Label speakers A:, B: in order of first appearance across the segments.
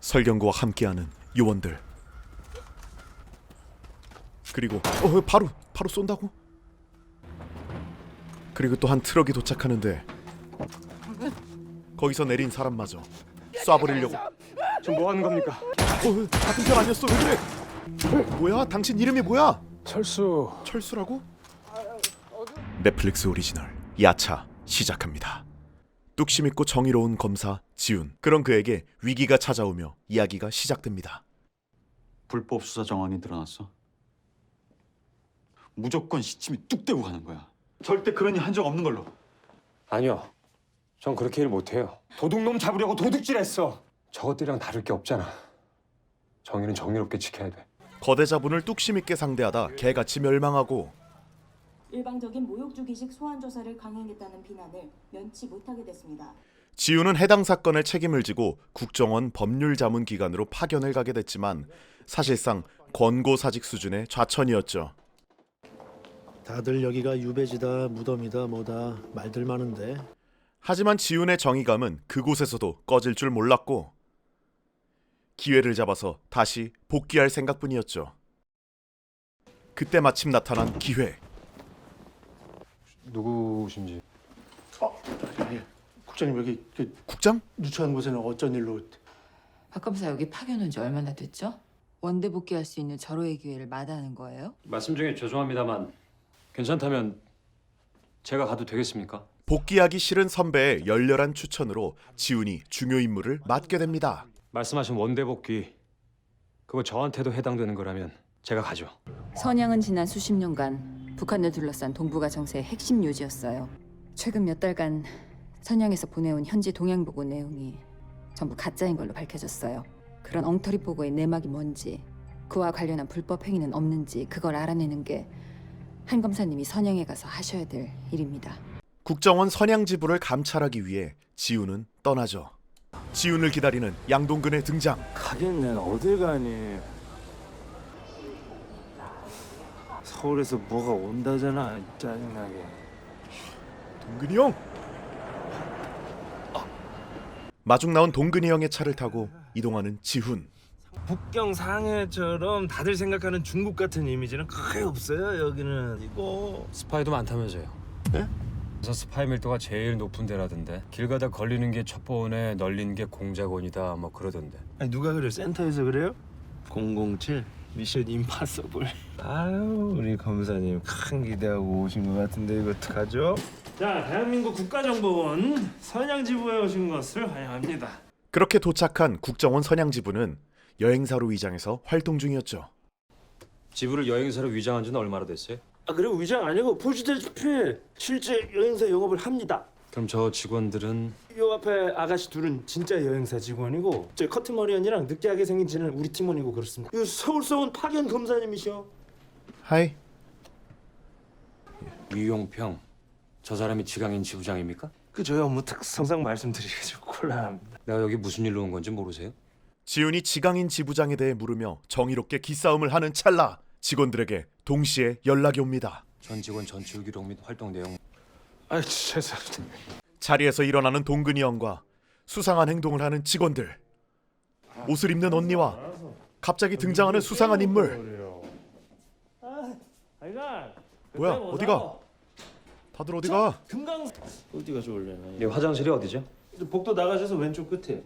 A: 설경구와 함께하는 요원들. 그리고 바로 쏜다고? 그리고 또 한 트럭이 도착하는데 거기서 내린 사람마저 쏴버리려고.
B: 지금 뭐 하는 겁니까?
A: 같은 편 아니었어? 왜 그래? 뭐야? 당신 이름이 뭐야?
B: 철수.
A: 철수라고? 넷플릭스 오리지널 야차 시작합니다. 뚝심 있고 정의로운 검사 지훈. 그런 그에게 위기가 찾아오며 이야기가 시작됩니다.
C: 불법 수사 정황이 드러났어. 무조건 시침이 뚝 떼고 가는 거야. 절대 그런 일 한 적 없는 걸로.
B: 아니요. 전 그렇게 일 못해요. 도둑놈 잡으려고 도둑질했어. 저것들이랑 다를 게 없잖아. 정의는 정의롭게 지켜야 돼.
A: 거대 자본을 뚝심 있게 상대하다 개같이 멸망하고
D: 일방적인 모욕주기식 소환 조사를 강행했다는 비난을 면치 못하게 됐습니다.
A: 지훈은 해당 사건의 책임을 지고 국정원 법률자문기관으로 파견을 가게 됐지만 사실상 권고사직 수준의 좌천이었죠.
E: 다들 여기가 유배지다, 무덤이다, 뭐다 말들 많은데.
A: 하지만 지훈의 정의감은 그곳에서도 꺼질 줄 몰랐고 기회를 잡아서 다시 복귀할 생각뿐이었죠. 그때 마침 나타난 기회.
B: 누구신지.
E: 국장님 여기
A: 국장?
E: 누추한 곳에는 어쩐 일로?
F: 박 검사 여기 파견 온 지 얼마나 됐죠? 원대 복귀할 수 있는 절호의 기회를 마다하는 거예요?
G: 말씀 중에 죄송합니다만 괜찮다면 제가 가도 되겠습니까?
A: 복귀하기 싫은 선배의 열렬한 추천으로 지훈이 중요 임무를 맡게 됩니다.
G: 말씀하신 원대 복귀 그거 저한테도 해당되는 거라면 제가 가죠.
F: 선양은 지난 수십 년간 북한을 둘러싼 동북아 정세의 핵심 요지였어요. 최근 몇 달간 선양에서 보내온 현지 동향 보고 내용이 전부 가짜인 걸로 밝혀졌어요. 그런 엉터리 보고의 내막이 뭔지, 그와 관련한 불법 행위는 없는지 그걸 알아내는 게 한 검사님이 선양에 가서 하셔야 될 일입니다.
A: 국정원 선양 지부를 감찰하기 위해 지훈은 떠나죠. 지훈을 기다리는 양동근의 등장.
H: 가긴 내가 어딜 가니. 서울에서 뭐가 온다잖아. 짜증나게.
A: 동근이 형! 마중 나온 동근이 형의 차를 타고 이동하는 지훈.
H: 북경 상해처럼 다들 생각하는 중국 같은 이미지는 크게 없어요. 여기는 이거.
G: 스파이도 많다면서요.
H: 네?
G: 그래서 스파이 밀도가 제일 높은 데라던데 길 가다 걸리는 게 첩보원에 널린 게 공작원이다 뭐 그러던데.
H: 아니 누가 그래요? 센터에서 그래요? 007 미션 임파서블. 아유 우리 검사님 큰 기대하고 오신 것 같은데 이거 어떡하죠? 자, 대한민국 국가정보원 선양지부에 오신 것을 환영합니다.
A: 그렇게 도착한 국정원 선양 지부는 여행사로 위장해서 활동 중이었죠.
G: 지부를 여행사로 위장한 지는 얼마나 됐어요?
H: 아 그리고 위장 아니고 보시다시피 실제 여행사 영업을 합니다.
G: 그럼 저 직원들은
H: 요 앞에 아가씨 둘은 진짜 여행사 직원이고 저 커트머리 언니랑 느끼하게 생긴 쟤는 우리 팀원이고 그렇습니다. 이 서울서 온 파견 검사님이셔.
A: 하이.
G: 위용평 저 사람이 지강인 지부장입니까?
H: 그 저희 업무 특성상 말씀드리기 좀 곤란합니다.
G: 내가 여기 무슨 일로 온 건지 모르세요?
A: 지훈이 지강인 지부장에 대해 물으며 정의롭게 기싸움을 하는 찰나 직원들에게 동시에 연락이 옵니다.
G: 전 직원 전출 기록 및 활동 내용.
H: 아이 죄송합니다.
A: 자리에서 일어나는 동근이 형과 수상한 행동을 하는 직원들. 옷을 입는 언니와 갑자기 등장하는 수상한 인물. 뭐야? 어디가? 다들 어디가?
H: 금강 어디가 좋을래나?
G: 네 화장실이 어디죠?
H: 복도 나가셔서 왼쪽 끝에.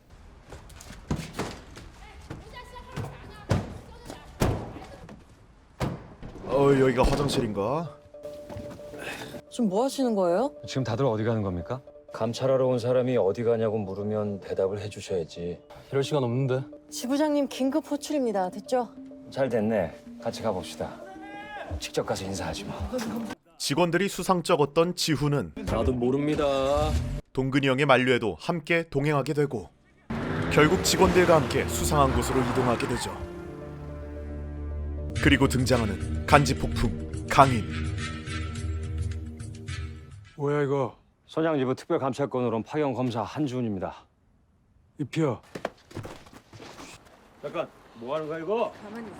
A: 여기가 화장실인가?
I: 지금 뭐 하시는 거예요?
G: 지금 다들 어디 가는 겁니까? 감찰하러 온 사람이 어디 가냐고 물으면 대답을 해주셔야지. 이럴 시간 없는데.
I: 지부장님 긴급 호출입니다. 됐죠?
G: 잘 됐네. 같이 가봅시다. 직접 가서 인사하지 뭐.
A: 직원들이 수상쩍었던 지훈은
H: 나도 모릅니다.
A: 동근이 형의 만류에도 함께 동행하게 되고 결국 직원들과 함께 수상한 곳으로 이동하게 되죠. 그리고 등장하는 간지폭풍 강인.
B: 뭐야 이거?
G: 선양지부 특별감찰권으로 온 파견 검사 한지훈입니다.
B: 입혀.
H: 잠깐 뭐 하는 거야 이거?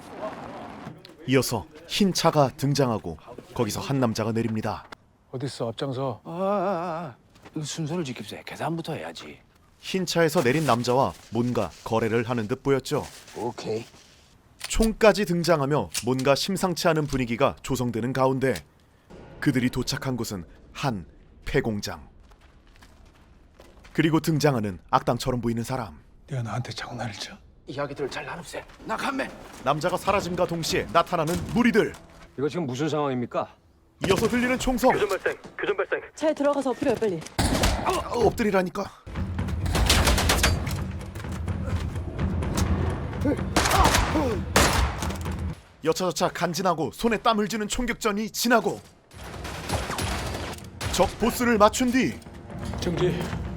A: 이어서 흰 차가 등장하고 거기서 한 남자가 내립니다.
B: 어딨어 앞장서.
H: 이거 순서를 지킵세. 계산부터 해야지.
A: 흰 차에서 내린 남자와 뭔가 거래를 하는 듯 보였죠.
H: 오케이.
A: 총까지 등장하며 뭔가 심상치 않은 분위기가 조성되는 가운데 그들이 도착한 곳은 한 폐공장. 그리고 등장하는 악당처럼 보이는 사람.
E: 내가 나한테 장난을 쳐?
H: 이야기들 잘 나눕세. 나 감매.
A: 남자가 사라짐과 동시에 나타나는 무리들.
B: 이거 지금 무슨 상황입니까?
A: 이어서 들리는 총성.
I: 차에 들어가서 엎드려요, 빨리.
A: 엎드리라니까. 여차저차 간지나고 손에 땀을 쥐는 총격전이 지나고 적 보스를 맞춘 뒤
E: 정지.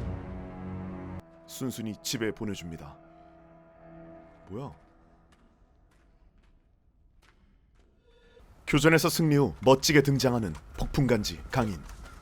A: 순순히 집에 보내줍니다. 뭐야? 교전에서 승리 후 멋지게 등장하는 폭풍간지 강인.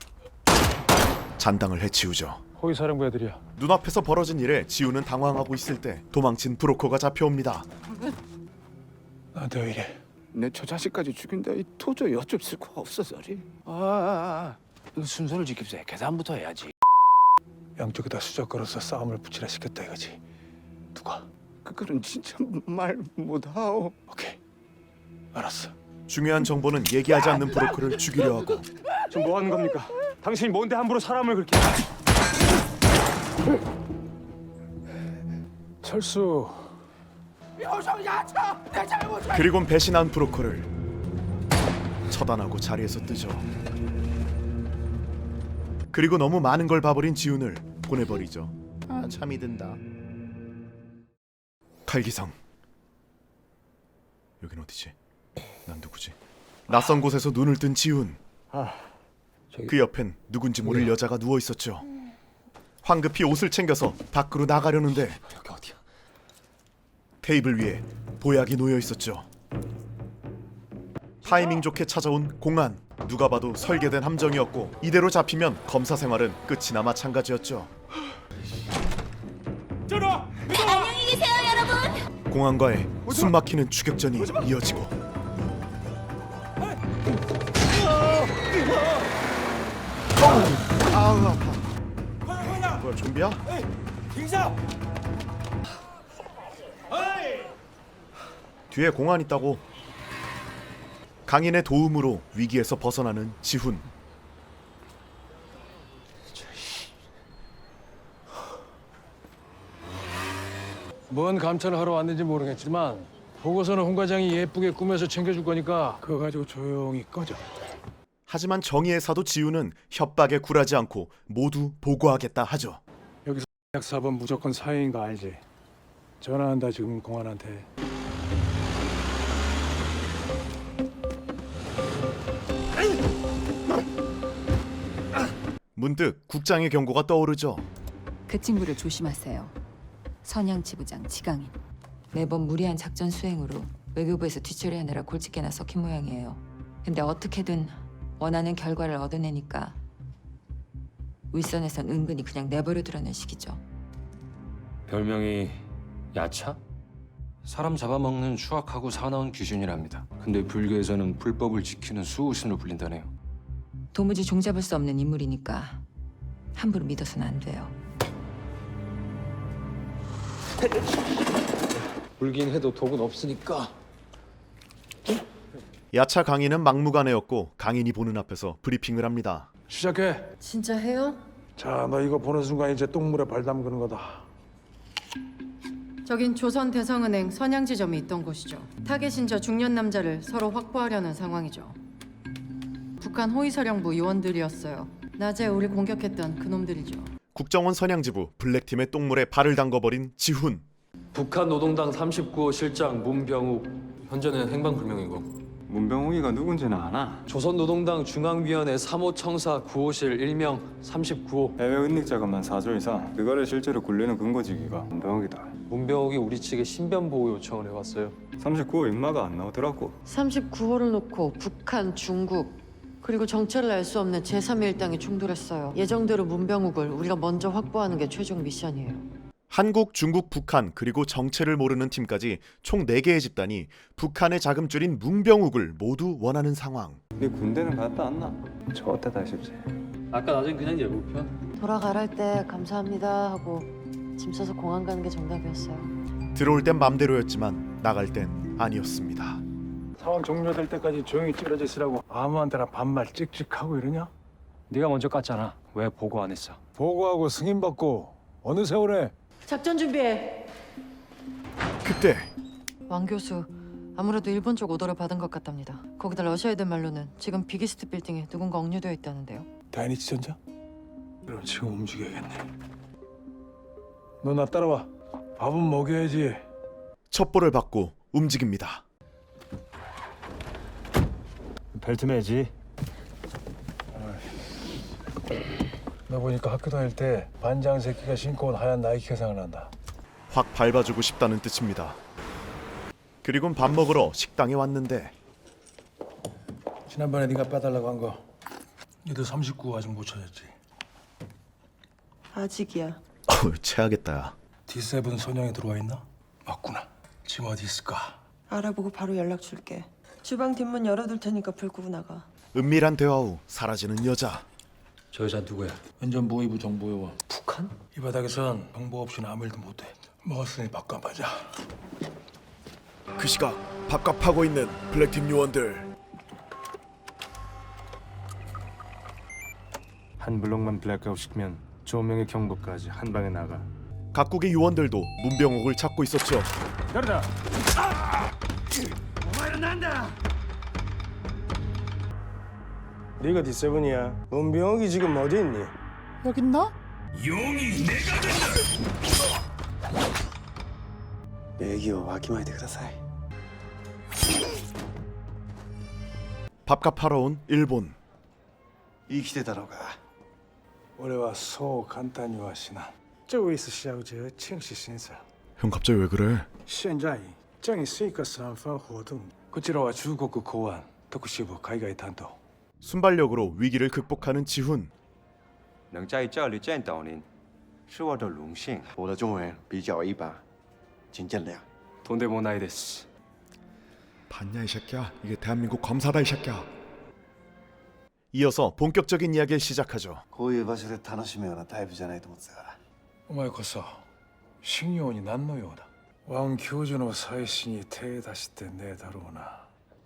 A: 잔당을 해치우죠.
E: 호위 사령부 애들이야.
A: 눈앞에서 벌어진 일에 지우는 당황하고 있을 때 도망친 브로커가 잡혀옵니다.
E: 나한테 왜 이래?
H: 내 저 자식까지 죽인다. 이 도저히 어쩔 수가 없어서리. 이거 순서를 지킵세. 계산부터 해야지.
E: 양쪽에다 수작 걸어서 싸움을 붙이라 시켰다 이거지. 누가?
H: 그거는 진짜 말 못하오.
E: 오케이. 알았어.
A: 중요한 정보는 얘기하지 않는 브로커를 죽이려 하고
B: 지금 뭐 하는 겁니까? 당신이 뭔데 함부로 사람을 그렇게...
E: 철수.
A: 그리곤 배신한 브로커를 처단하고 자리에서 뜨죠. 그리고 너무 많은 걸 봐버린 지훈을 보내버리죠. 참이 든다. 칼기상. 여긴 어디지? 난 누구지? 낯선 곳에서 눈을 뜬 지훈. 그 옆엔 누군지 모를 여자가 누워 있었죠. 황급히 옷을 챙겨서 밖으로 나가려는데
H: 여기 어디야?
A: 테이블 위에 보약이 놓여 있었죠. 타이밍 좋게 찾아온 공안. 누가 봐도 설계된 함정이었고 이대로 잡히면 검사 생활은 끝이나 마찬가지였죠.
D: 안녕히 계세요, 여러분.
A: 공안과의 숨막히는 추격전이 이어지고 아우 아파. 뭐야 좀비야? 뒤에 공안 있다고. 강인의 도움으로 위기에서 벗어나는 지훈.
E: 뭔 감찰을 하러 왔는지 모르겠지만 보고서는 홍 과장이 예쁘게 꾸며서 챙겨줄 거니까 그거 가지고 조용히 꺼져.
A: 하지만 정의의 사도 지훈은 협박에 굴하지 않고 모두 보고하겠다 하죠.
E: 약 4번 무조건 사회인 거 알지? 전화한다 지금 공안한테.
A: 문득 국장의 경고가 떠오르죠.
F: 그 친구를 조심하세요. 선양 지부장 지강인. 매번 무리한 작전 수행으로 외교부에서 뒤처리하느라 골칫게나 썩힌 모양이에요. 근데 어떻게든 원하는 결과를 얻어내니까 윗선에선 은근히 그냥 내버려두라는 식이죠.
G: 별명이 야차?
B: 사람 잡아먹는 추악하고 사나운 귀신이랍니다. 근데 불교에서는 불법을 지키는 수호신으로 불린다네요.
F: 도무지 종잡을 수 없는 인물이니까 함부로 믿어서는 안 돼요.
H: 불긴 해도 독은 없으니까.
A: 야차 강인은 막무가내였고 강인이 보는 앞에서 브리핑을 합니다.
E: 시작해.
I: 진짜 해요?
E: 자, 너 이거 보는 순간 이제 똥물에 발 담그는 거다.
J: 저긴 조선대성은행 선양지점이 있던 곳이죠. 타겟인 저 중년 남자를 서로 확보하려는 상황이죠. 북한 호위사령부 요원들이었어요. 낮에 우리 공격했던 그놈들이죠.
A: 국정원 선양지부 블랙팀의 똥물에 발을 담궈버린 지훈.
K: 북한 노동당 39호 실장 문병욱. 현재는 행방불명이고.
C: 문병욱이가 누군지는 아나?
K: 조선노동당 중앙위원회 3호 청사 9호실 일명 39호.
C: 해외 은닉 자금만 4조 이상. 그거를 실제로 굴리는 근거지기가 문병욱이다.
K: 문병욱이 우리 측에 신변 보호 요청을 해왔어요.
C: 39호 인마가 안 나오더라고.
I: 39호를 놓고 북한, 중국 그리고 정체를 알 수 없는 제3일당이 충돌했어요. 예정대로 문병욱을 우리가 먼저 확보하는 게 최종 미션이에요.
A: 한국, 중국, 북한 그리고 정체를 모르는 팀까지 총 4개의 집단이 북한의 자금줄인 문병욱을 모두 원하는 상황.
C: 네 군대는 갔다 왔나? 저 때다 싶지.
K: 아까 낮엔 그냥 예고편.
I: 돌아가랄 때 감사합니다 하고 짐 싸서 공항 가는 게 정답이었어요.
A: 들어올 땐 맘대로였지만 나갈 땐 아니었습니다.
E: 상황 종료될 때까지 조용히 찌그러져 있으라고 아무한테나 반말 찍찍하고 이러냐?
G: 네가 먼저 깠잖아. 왜 보고 안 했어?
E: 보고하고 승인받고 어느 세월에
I: 작전 준비해.
A: 그때
I: 왕 교수, 아무래도 일본 쪽 오더를 받은 것 같답니다. 거기다 러시아 애들 말로는 지금 비기스트 빌딩에 누군가 억류되어 있다는데요.
E: 다이니치 전자? 그럼 지금 움직여야겠네. 너 나 따라와. 밥은 먹여야지.
A: 첩보를 받고 움직입니다.
H: 벨트 매지.
E: 너 보니까 학교 다닐 때 반장 새끼가 신고 온 하얀 나이키가 생각난다.
A: 확 밟아주고 싶다는 뜻입니다. 그리곤 밥 먹으러 식당에 왔는데
E: 지난번에 네가 빼달라고 한 거. 니도 39 아직 못 찾았지?
L: 아직이야.
A: 체하겠다.
E: D7 선영이 들어와 있나? 맞구나. 지금 어디 있을까?
L: 알아보고 바로 연락 줄게. 주방 뒷문 열어둘 테니까 불 끄고 나가.
A: 은밀한 대화 후 사라지는 여자.
G: 저 여자 누구야?
E: 안전보위부 정보요원. 북한? 이 바닥에선 정보 없이는 아무 일도 못해. 먹었으니 밥값 하자.
A: 그 시각 밥값하고 있는 블랙팀 요원들.
H: 한 블록만 블랙아웃 시키면 조명의 경보까지 한 방에 나가.
A: 각국의 요원들도 문병옥을 찾고 있었죠.
E: 열다.
H: 네가 D7이야. 문병욱이 지금 어디 있니?
F: 여기 있나?
H: 얘기요. 와키마이데 그다사이.
A: 밥값하러 온 일본.
H: 生きてたのか。
E: 俺はそう簡単には死なん。这位是小姐清晰先生。
A: 형 갑자기 왜 그래?
E: 现在正是一个三番活动。こちらは中国公安特殊部海外担当。
A: 순발력으로 위기를 극복하는 지훈.
M: 能在这里见到您，是我的荣幸。我的中文比较一般，请见谅。
G: 돈데모나이 데스.
A: 봤냐 이 새끼야. 이게 대한민국 검사다 이 새끼야. 이어서 본격적인 이야기를 시작하죠.
H: こういう場所で楽しむようなタイプじゃないと思ってたから。
E: お前こそ信用に何の用だ。왕 교주の妻子に手出してねえだろうな。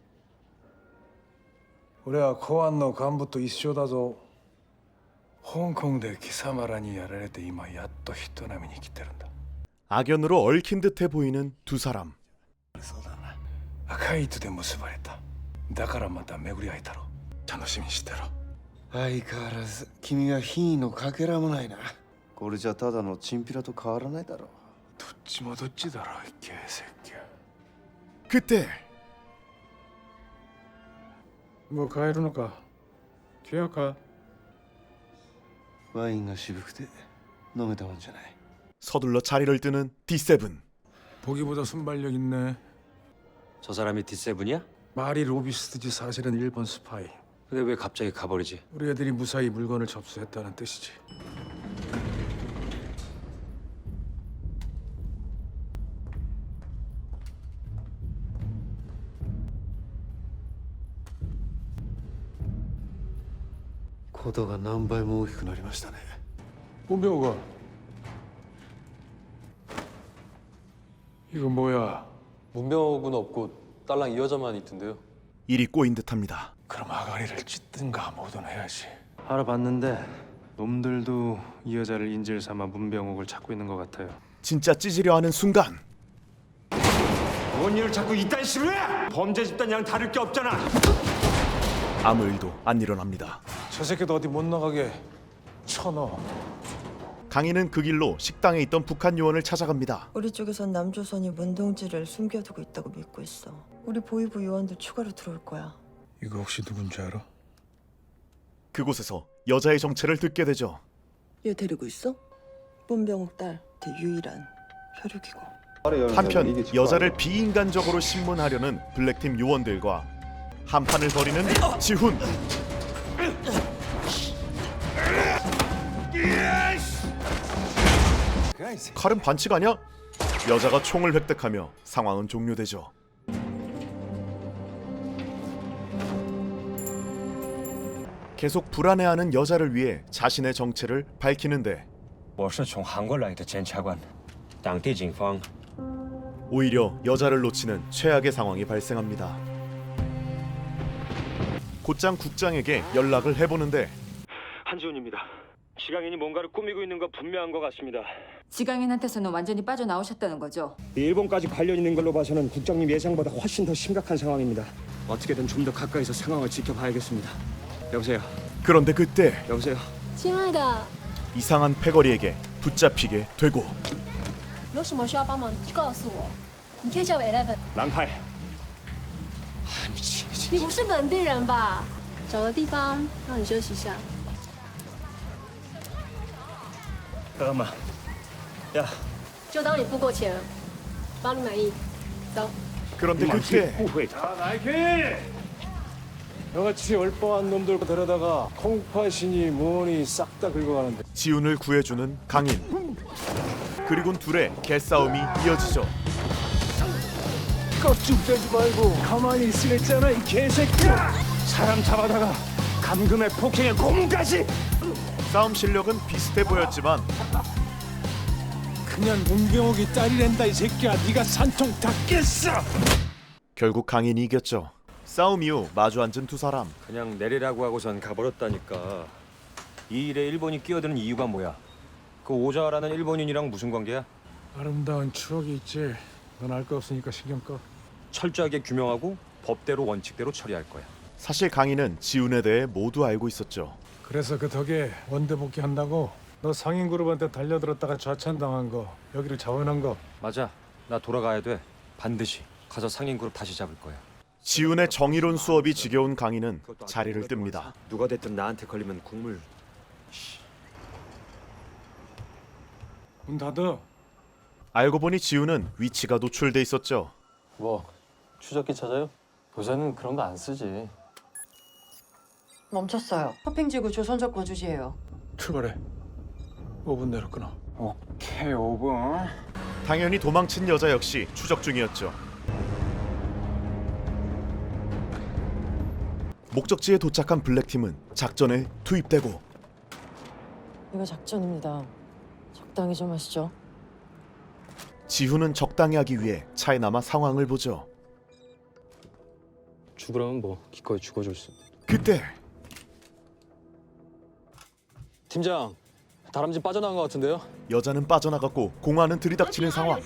E: 俺は公安の幹部と一緒だぞ。香港で貴様らにやられて今やっと人並みに来てるんだ。
A: 악연으로 얽힌 듯해 보이는 두 사람.
E: 赤い糸で結ばれた。だからまた巡り会えたろ。楽しみにしてろ。
H: 相変わらず君は品位のかけらもないな。これじゃただのチンピラと変わらないだろう。
E: どっちもどっちだろう、ゲーセッキ。
A: 그때
E: もう帰るのか。違うか。
H: ワインが渋くて飲めたもんじゃない。
A: 서둘러 자리를 뜨는 D7.
E: 보기보다 순발력 있네.
G: 저 사람이 D7이야?
E: 말이 로비스트지 사실은 일본 스파이.
G: 근데 왜 갑자기 가버리지?
E: 우리 애들이 무사히 물건을 접수했다는 뜻이지.
H: ことが何倍も大きくなりましたね。
E: 문병우가 이거 뭐야?
K: 문병욱은 없고 딸랑 이 여자만 있던데요.
A: 일이 꼬인 듯합니다.
E: 그럼 아가리를 찢든가 뭐든 해야지.
H: 알아봤는데 놈들도 이 여자를 인질 삼아 문병욱을 찾고 있는 것 같아요.
A: 진짜 찢으려 하는 순간
B: 뭔 일을 자꾸 이딴 식으로 해? 범죄 집단이랑 다를 게 없잖아.
A: 아무 일도 안 일어납니다.
E: 저 새끼도 어디 못 나가게 쳐넣어.
A: 강인은 그 길로 식당에 있던 북한 요원을 찾아갑니다.
L: 우리 쪽에선 남조선이 문동지를 숨겨두고 있다고 믿고 있어. 우리 보위부 요원도 추가로 들어올 거야.
E: 이거 혹시 누군지 알아?
A: 그곳에서 여자의 정체를 듣게 되죠.
L: 얘 데리고 있어? 문병욱 딸, 대 유일한 혈육이고.
A: 한편 여자를 비인간적으로 신문하려는 블랙팀 요원들과 한판을 벌이는 지훈. 칼은 반칙 아니야? 여자가 총을 획득하며 상황은 종료되죠. 계속 불안해하는 여자를 위해 자신의 정체를 밝히는데
G: 我是从韩国来的检察官，当地警方
A: 오히려 여자를 놓치는 최악의 상황이 발생합니다. 곧장 국장에게 연락을 해보는데
B: 한지훈입니다. 지강인이 뭔가를 꾸미고 있는 거 분명한 것 같습니다.
F: 지강인한테서는 완전히 빠져나오셨다는 거죠?
B: 일본까지 관련 있는 걸로 봐서는 국장님 예상보다 훨씬 더 심각한 상황입니다. 어떻게든 좀 더 가까이서 상황을 지켜봐야겠습니다. 여보세요.
A: 그런데 그때
B: 有不是
N: 亲爱的，
A: 이상한 패거리에게 붙잡히게 되고
N: 有什么需要帮忙就告诉我。你可以叫我 Eleven。
B: 랑팔.
N: 你不是本地人吧？找个地方让你休息一下。
B: 잠깐만. 야.
N: 就当你付过钱了，帮你满意。走。
A: 그런데 그때
E: 나이키! 너같이 얼빠한 놈들 데려다가 콩팥이니 뭐니 싹 다 긁어가는데
A: 지훈을 구해주는 강인. 그리곤 둘의 개싸움이 이어지죠.
E: 껍죽대지 말고 가만히 있으랬잖아 이 개새끼야!
B: 사람 잡아다가 감금에 폭행에 고문까지.
A: 싸움 실력은 비슷해 보였지만
E: 그냥 문경욱이 딸이란다 이 새끼야. 네가 산통 다 깼어!
A: 결국 강인이 이겼죠. 싸움 이후 마주 앉은 두 사람.
G: 그냥 내리라고 하고선 가버렸다니까. 이 일에 일본이 끼어드는 이유가 뭐야? 그 오자라는 일본인이랑 무슨 관계야?
E: 아름다운 추억이 있지. 넌 알 거 없으니까 신경 꺼.
G: 철저하게 규명하고 법대로 원칙대로 처리할 거야.
A: 사실 강인은 지훈에 대해 모두 알고 있었죠.
E: 그래서 그 덕에 원대 복귀한다고 너 상인 그룹한테 달려들었다가 좌천당한 거 여기를 자원한 거
G: 맞아. 나 돌아가야 돼. 반드시 가서 상인 그룹 다시 잡을 거야.
A: 지훈의 정의로운 수업이 지겨운 강인은 자리를 뜹니다.
B: 누가 됐든 나한테 걸리면 국물.
E: 문 닫아.
A: 알고 보니 지훈은 위치가 노출돼 있었죠.
K: 뭐 추적기 찾아요? 요새는 그런 거 안 쓰지.
I: 멈췄어요. 서핑지구 조선족 거주지예요.
E: 출발해. 5분 내로 끊어.
B: 오케이 5분.
A: 당연히 도망친 여자 역시 추적 중이었죠. 목적지에 도착한 블랙팀은 작전에 투입되고
I: 이거 작전입니다. 적당히 좀 하시죠.
A: 지훈은 적당히 하기 위해 차에 남아 상황을 보죠.
K: 죽으라면 뭐 기꺼이 죽어줄 수.
A: 그때
K: 팀장, 다람쥐 빠져나간 것 같은데요?
A: 여자는 빠져나갔고 공화는 들이닥치는 상황.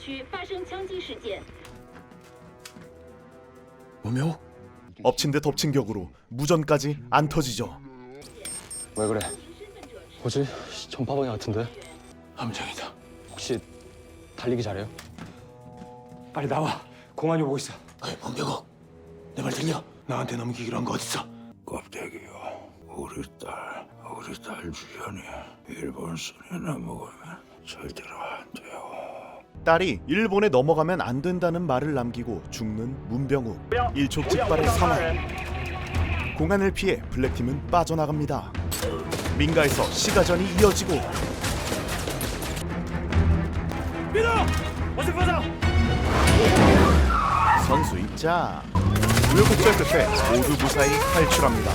E: 뭐며?
A: 엎친 데 덮친 격으로 무전까지 안 터지죠.
K: 왜 그래? 뭐지? 전파방해 같은데?
E: 함정이다.
K: 혹시 달리기 잘해요?
B: 빨리 나와. 공안이 오고 있어.
E: 문경욱, 내 말 들려? 나한테 넘기기로 한 거 어딨어?
H: 껍데기요. 우리 딸 주연이 일본 술이나 먹으면 절대로 안 돼요.
A: 딸이 일본에 넘어가면 안 된다는 말을 남기고 죽는 문병욱. 일촉즉발의 상황. 공안을 피해 블랙팀은 빠져나갑니다. 민가에서 시가전이 이어지고 선수 입장. 우여곡절 끝에 모두 무사히 탈출합니다.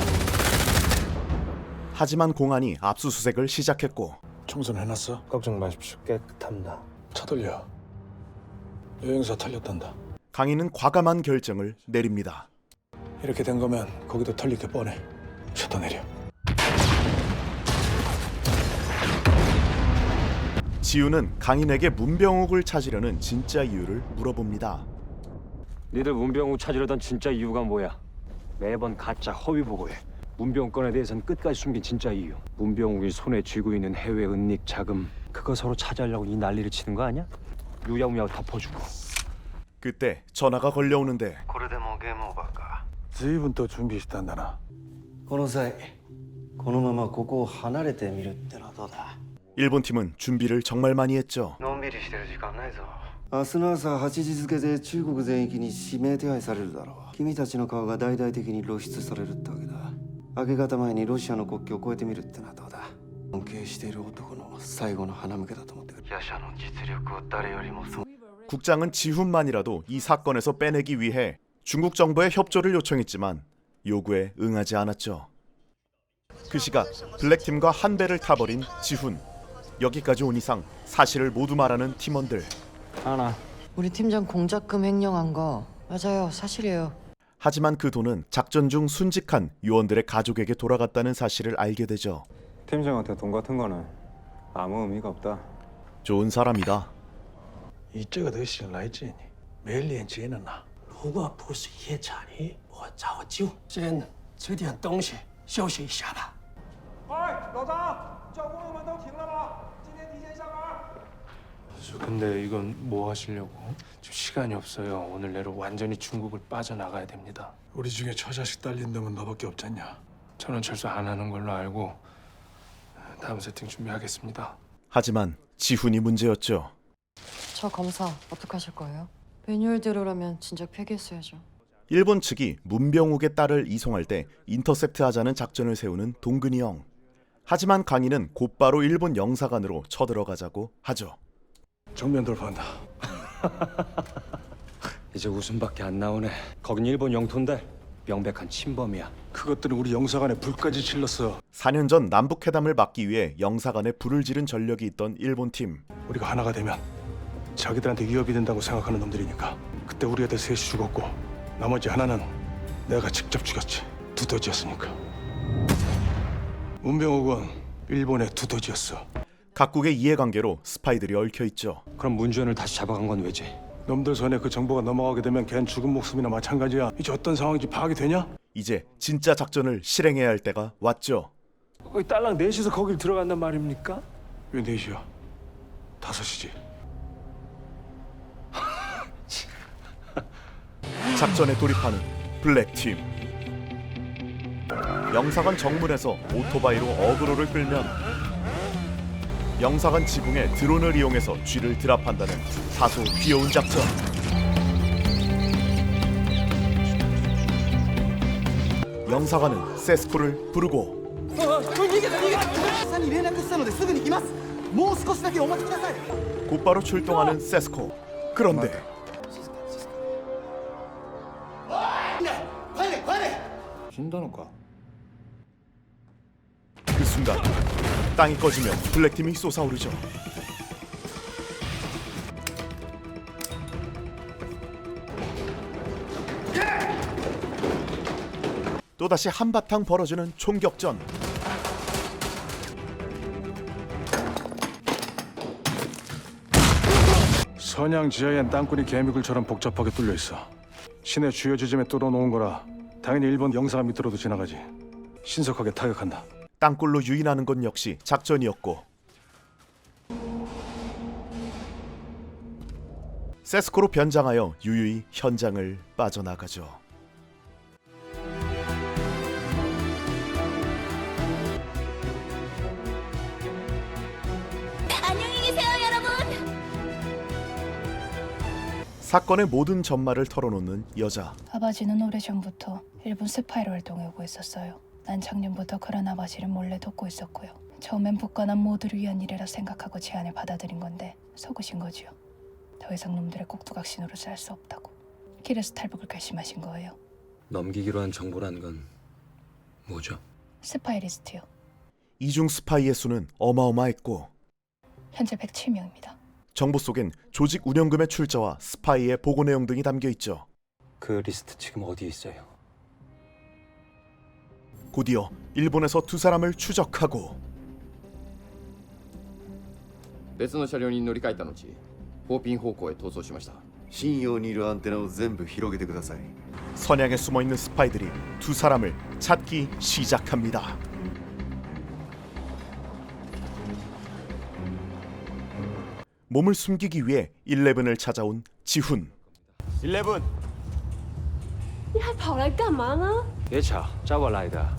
A: 하지만 공안이 압수수색을 시작했고
E: 청소는 해놨어?
H: 걱정 마십시오. 깨끗합니다.
E: 차 돌려. 여행사 털렸단다.
A: 강인은 과감한 결정을 내립니다.
E: 이렇게 된 거면 거기도 털릴 게 뻔해. 셔터 내려.
A: 지훈은 강인에게 문병욱을 찾으려는 진짜 이유를 물어봅니다.
G: 니들 문병욱 찾으려던 진짜 이유가 뭐야? 매번 가짜 허위 보고해. 문병욱 건에 대해서는 끝까지 숨긴 진짜 이유. 문병욱이 손에 쥐고 있는 해외 은닉 자금, 그거 서로 차지하려고 이 난리를 치는 거 아니야? 유야무야 덮어주고.
A: 그때 전화가 걸려오는데
H: これでもうゲームオーバーか。
E: 随分또 준비했단다 나.
H: この際このままここを離れてみるってのはどうだ。
A: 일본 팀은 준비를 정말 많이 했죠.
H: のんびりしてる時間ないぞ。明日の朝8時付で中国全域に指名手配されるだろう。君たちの顔が大々的に露出されるってわけだ。明け方前にロシアの国境を越えてみるってのはどうだ。尊敬している男の最後の花向けだと思ってくる。夜叉の実力を誰よりもそ
A: 국장은 지훈만이라도 이 사건에서 빼내기 위해 중국 정부의 협조를 요청했지만 요구에 응하지 않았죠. 그 시각 블랙팀과 한 배를 타버린 지훈. 여기까지 온 이상 사실을 모두 말하는 팀원들.
K: 하나.
I: 우리 팀장 공작금 횡령한 거 맞아요. 사실이에요.
A: 하지만 그 돈은 작전 중 순직한 요원들의 가족에게 돌아갔다는 사실을 알게 되죠.
B: 팀장한테 돈 같은 거는 아무 의미가 없다.
A: 좋은 사람이다.
E: 你这个都醒来这呢，没脸接了呢。如果不是夜场里，我早就先吃点东西休息一下吧。
B: 老张，叫工友们都停了吧，今天提前下班。
E: 근데 이건 뭐 하시려고? 지금 시간이 없어요. 오늘 내로 완전히 중국을 빠져나가야 됩니다. 우리 중에 처자식 딸린 놈은 너밖에 없잖냐. 저는 철수 안 하는 걸로 알고 다음 세팅 준비하겠습니다.
A: 하지만 지훈이 문제였죠.
I: 저 검사 어떡하실 거예요? 매뉴얼대로라면 진작 폐기했어야죠.
A: 일본 측이 문병욱의 딸을 이송할 때 인터셉트하자는 작전을 세우는 동근이 형. 하지만 강인은 곧바로 일본 영사관으로 쳐들어가자고 하죠.
E: 정면 돌파한다.
G: 이제 웃음밖에 안 나오네. 거긴 일본 영토인데 명백한 침범이야.
E: 그것들은 우리 영사관에 불까지 질렀어.
A: 4년 전 남북회담을 막기 위해 영사관에 불을 지른 전력이 있던 일본 팀.
E: 우리가 하나가 되면 자기들한테 위협이 된다고 생각하는 놈들이니까. 그때 우리 애들 셋이 죽었고 나머지 하나는 내가 직접 죽였지. 두더지였으니까. 문병욱은 일본의 두더지였어.
A: 각국의 이해관계로 스파이들이 얽혀있죠.
G: 그럼 문주현을 다시 잡아간 건 왜지?
E: 놈들 손에 그 정보가 넘어가게 되면 걘 죽은 목숨이나 마찬가지야. 이제 어떤 상황인지 파악이 되냐?
A: 이제 진짜 작전을 실행해야 할 때가 왔죠.
E: 거기 딸랑 넷이서 거길 들어간단 말입니까? 왜 넷이야? 5이지.
A: 작전에 돌입하는 블랙팀. 영사관 정문에서 오토바이로 어그로를 끌면 영사관 지붕에 드론을 이용해서 쥐를 드랍한다는 다소 귀여운 작전. 영사관은 세스코를 부르고 곧바로 출동하는 세스코. 그런데 그 순간 땅이 꺼지면 블랙팀이 솟아오르죠. 또다시 한바탕 벌어지는 총격전.
E: 선양 지하엔 땅굴이 개미굴처럼 복잡하게 뚫려 있어. 시내 주요 지점에 뚫어놓은 거라 당연히 일본 영사관 밑으로도 지나가지. 신속하게 타격한다.
A: 땅굴로 유인하는 건 역시 작전이었고 세스코로 변장하여 유유히 현장을 빠져나가죠.
N: 안녕히 계세요, 여러분.
A: 사건의 모든 전말을 털어놓는 여자.
O: 아버지는 오래전부터 일본 스파이로 활동하고 있었어요. 난 작년부터 그런 아버지를 몰래 돕고 있었고요. 처음엔 북한은 모두를 위한 일이라 생각하고 제안을 받아들인 건데 속으신 거지요. 더 이상 놈들의 꼭두각시노로 살 수 없다고. 길에서 탈북을 결심하신 거예요.
G: 넘기기로 한 정보란 건 뭐죠?
O: 스파이 리스트요.
A: 이중 스파이의 수는 어마어마했고
O: 현재 107명입니다.
A: 정보 속엔 조직 운영금의 출처와 스파이의 보고 내용 등이 담겨 있죠.
G: 그 리스트 지금 어디에 있어요?
A: 곧이어 일본에서 2사람을 추적하고
P: 別の車両に乗り換えた後フォーピン方向へ逃走しました信用にいるアンテナを全部広げてください
A: 선양에 숨어있는 스파이들이 2사람을 찾기 시작합니다. 몸을 숨기기 위해 11을 찾아온 지훈.
N: 11，你还跑来干嘛呢？
G: 别吵，找我来的。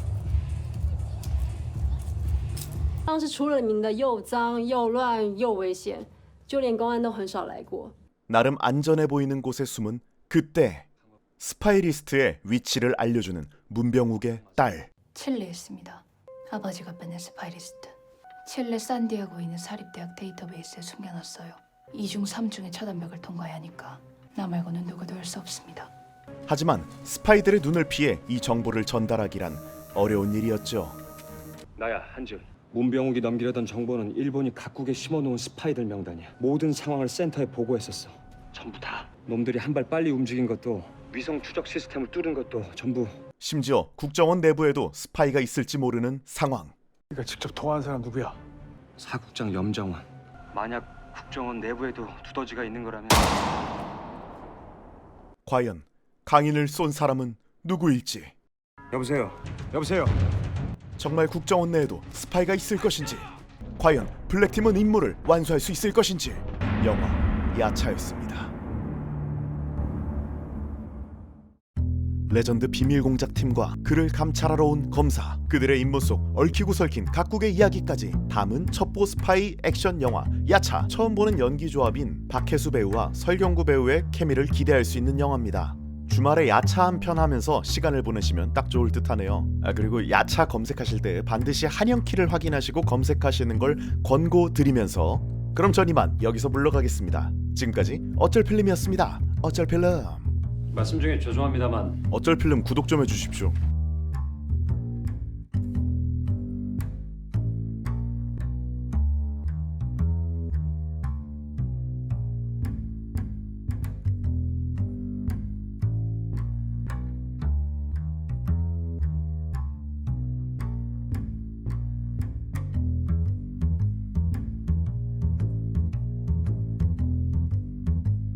N: 当是出了名的又脏又乱又危险，就连公安都很少来过。
A: 나름 안전해 보이는 곳에 숨은 그때 스파이 리스트의 위치를 알려주는 문병욱의 딸.
O: 칠레에 있습니다. 아버지가 빼낸 스파이 리스트. 칠레 산디에고에 있는 사립대학 데이터베이스에 숨겨놨어요. 2중 3중의 차단벽을 통과해야 하니까 나 말고는 누구도 할 수 없습니다.
A: 하지만 스파이들의 눈을 피해 이 정보를 전달하기란 어려운 일이었죠.
G: 나야 한준. 문병욱이 넘기려던 정보는 일본이 각국에 심어놓은 스파이들 명단이야. 모든 상황을 센터에 보고했었어. 전부 다. 놈들이 한 발 빨리 움직인 것도 위성 추적 시스템을 뚫은 것도 전부.
A: 심지어 국정원 내부에도 스파이가 있을지 모르는 상황.
E: 네가 직접 통화한 사람 누구야?
G: 사국장 염정원. 만약 국정원 내부에도 두더지가 있는 거라면
A: 과연 강인을 쏜 사람은 누구일지.
B: 여보세요. 여보세요.
A: 정말 국정원 내에도 스파이가 있을 것인지, 과연 블랙팀은 임무를 완수할 수 있을 것인지. 영화 야차였습니다. 레전드 비밀공작팀과 그를 감찰하러 온 검사, 그들의 임무 속 얽히고 설킨 각국의 이야기까지 담은 첩보 스파이 액션 영화 야차. 처음 보는 연기 조합인 박혜수 배우와 설경구 배우의 케미를 기대할 수 있는 영화입니다. 주말에 야차 한 편 하면서 시간을 보내시면 딱 좋을 듯하네요. 그리고 야차 검색하실 때 반드시 한영키를 확인하시고 검색하시는 걸 권고드리면서, 그럼 전 이만 여기서 물러가겠습니다. 지금까지 어쩔 필름이었습니다. 어쩔 필름.
G: 말씀 중에 죄송합니다만
A: 어쩔 필름 구독 좀 해주십시오.